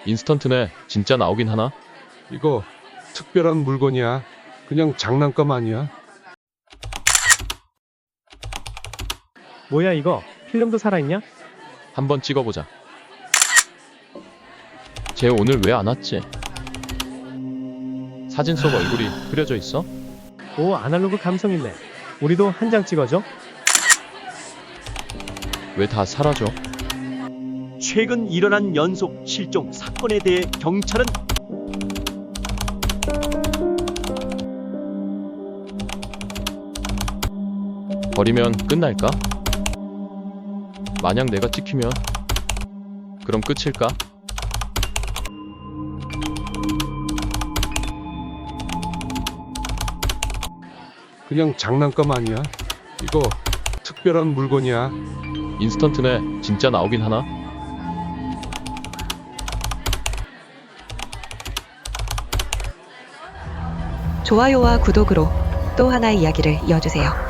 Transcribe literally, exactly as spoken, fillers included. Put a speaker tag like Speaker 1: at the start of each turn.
Speaker 1: 인스턴트네. 진짜 나오긴 하나?
Speaker 2: 이거 특별한 물건이야. 그냥 장난감 아니야.
Speaker 3: 뭐야 이거? 필름도 살아있냐?
Speaker 1: 한번 찍어보자. 쟤 오늘 왜 안 왔지? 사진 속 얼굴이 흐려져 있어?
Speaker 3: 오, 아날로그 감성 있네. 우리도 한 장 찍어줘.
Speaker 1: 왜 다 사라져?
Speaker 4: 최근 일어난 연속 실종 사건에 대해 경찰은
Speaker 1: 버리면 끝날까? 만약 내가 찍히면 그럼 끝일까?
Speaker 2: 그냥 장난감 아니야. 이거 특별한 물건이야.
Speaker 1: 인스턴트네. 진짜 나오긴 하나?
Speaker 5: 좋아요와 구독으로 또 하나의 이야기를 이어주세요.